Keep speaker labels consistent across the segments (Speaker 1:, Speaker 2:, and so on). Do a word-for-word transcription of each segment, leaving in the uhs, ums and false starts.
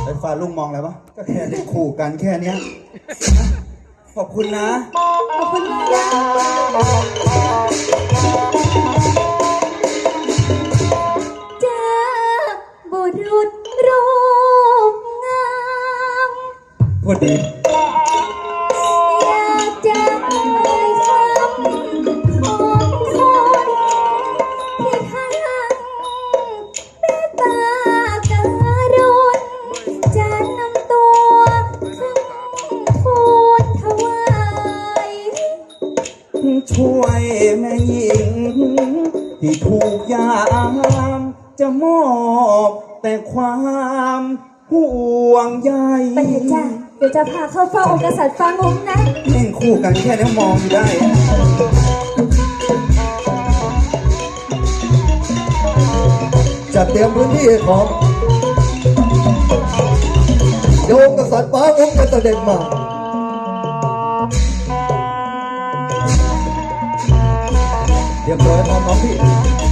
Speaker 1: ไอ้ฟ้าลุงมองอะไรวะก็แค่ได้ขู่กันแค่เนี้ยขอบคุณนะ
Speaker 2: ขอบคุณมากนะเจอบุรุษรูปงาม
Speaker 1: พูดดี
Speaker 2: อยากจะเอ่ยคำของคนที่ทั้งเมตตากรุณจะนำตัวขึ้นทูลถวาย
Speaker 1: ช่วยแม่หญิงที่ถูกยามจะมอบแต่ความห่วงใย
Speaker 2: ไปเถอะจ้ะเดี๋ยวจะพาเข้าเฝ้าองค์กษัตริย์ฟางงนะ
Speaker 1: เล่นคู่กันแค่นี้มองอยู่ได้จัดเตรียมพื้นที่ของโยมกษัตริย์ฟ้าองค์จะเสด็จมาเรียบร้อยพร้อมน้องพี่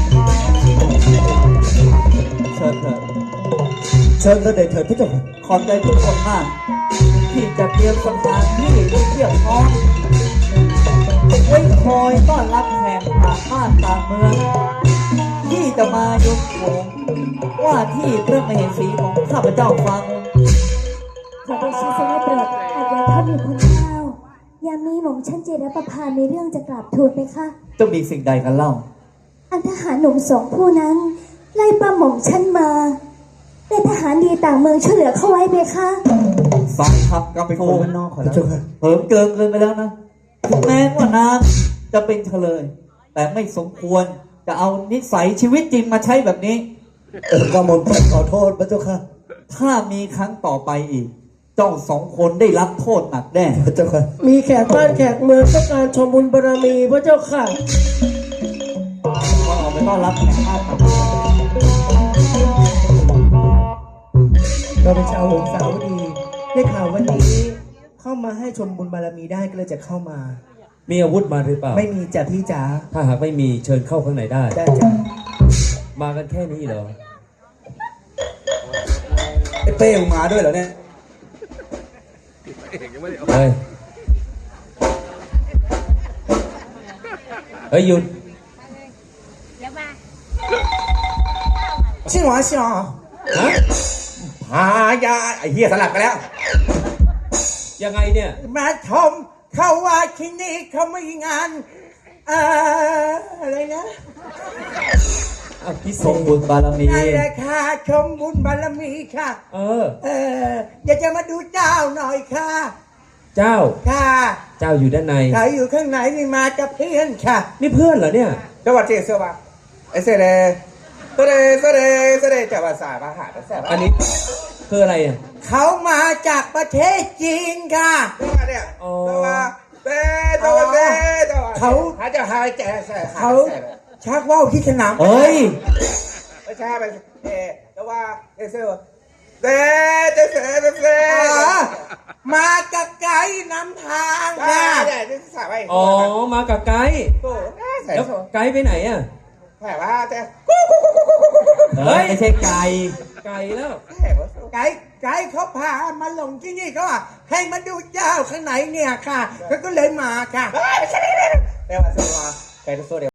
Speaker 1: เชิญเถิดเชิญเสด็จเถิดพระเจ้าค่ะขอบใจทุกคนมากที่จะเตรียมสถานที่ที่เพียบพร้อมไว้คอยต้อนรับแขกต่างบ้านต่างเมืองที่จะมายกโขงว่าที่พระมเหสีของข้าพเจ้าฟัง
Speaker 2: ขอได้ชื่อเสด็จโปรดอาจจะถ้ามีคนเล่ายามีหม่อมฉันเจรประพามีเรื่องจะกราบทูลไหมคะ
Speaker 1: จะมีสิ่งใดกันเล่า
Speaker 2: อันทหารหนุ่มสองผู้นั้นไล่ป้าหม่อมฉันมาแต่ทหารดีต่างเมืองช่วยเหลือเข้าไว้ไหมคะ
Speaker 1: ฟังครับก็เป็นคนนอกขอแล้วเผิมเกินเกินไปแล้วนะถึงแม้ว่านางจะเป็นเฉลยแต่ไม่สมควรจะเอานิสัยชีวิตจริงมาใช้แบบนี้เออก็หม่อมฉันขอโทษพระเจ้าค่ะถ้ามีครั้งต่อไปอีกเจ้าสองคนได้รับโทษหนักแน่พระเจ้าค่ะ
Speaker 3: มีแขกบ้านแขกเมืองต้องการชมบุญบารมีพระเจ้าค่ะ
Speaker 1: ขอออกไปต้อนรับแขกบ้านครับ
Speaker 3: เราเป็นชาวหงสาวดีได้ข่าววันนี้เข้ามาให้ชมบุญบารมีได้ก็เลยจะเข้ามา
Speaker 4: มีอาวุธมาหรือเปล่า
Speaker 3: ไม่มีจ้ะพี่จ๋า
Speaker 4: ถ้าหากไม่มีเชิญเข้าข้างในได้
Speaker 3: ได้จ้ะ
Speaker 4: มากันแค่นี้เหรอ
Speaker 1: ไอ้เป้มาด้วยเหรอเนี่ย
Speaker 4: เฮ้ยเฮ้ยหยุด
Speaker 1: ชิงหวาชิงหวาฮะพายาไอ้เหี้ยสลับกันแล้ว
Speaker 4: ยังไงเนี่ย
Speaker 1: มาชมเขาว่าที่นี่เขาไม่งานอ่าอะไรนะ
Speaker 4: พิสงบุญบารมี
Speaker 1: นั่นแหละค่ะชมบุญบารมีค่ะ
Speaker 4: เออ
Speaker 1: เอออยากจะมาดูเจ้าหน่อยค่ะ
Speaker 4: เจ้า
Speaker 1: ค่ะ
Speaker 4: เจ้าอยู่ด้านใน
Speaker 1: เขาอยู่ข้างในนี่มากับเพื่อนค่ะ
Speaker 4: นี่เพื่อนเหรอเนี่ย
Speaker 1: สวัสดีสวัสดีไอเสเดเสเดเสเดเสเดจะภาษาอาหารแซ่บ
Speaker 4: อันนี้คืออะไรอ่ะ
Speaker 1: เขามาจากประเทศจีนค่ะเนี่ยตัวเต้ตัวเต้ตัวเขาเขาจะหายใจเขาชักว่าวที่สนาม
Speaker 4: เฮ้ย
Speaker 1: ไม่ใช่ไปเอแต่ว่าเอเซอร์เต้เต้เต้เต้มากับไกด์นำทางค่ะ
Speaker 4: อ๋อมากับไกด์แล้วไกด์ไปไหนอ่ะ
Speaker 1: แต่ว่าแต่
Speaker 4: เฮ้ยไม่ใช่ไก่ไก่แล้ว
Speaker 1: ไก่ไก่เขาพามาลงที่นี่เขาให้มาดูเจ้าข้างไหนเนี่ยค่ะเขาก็เลยมาค่ะแต่ว่าแต่ว่าไก่ตัวเดียว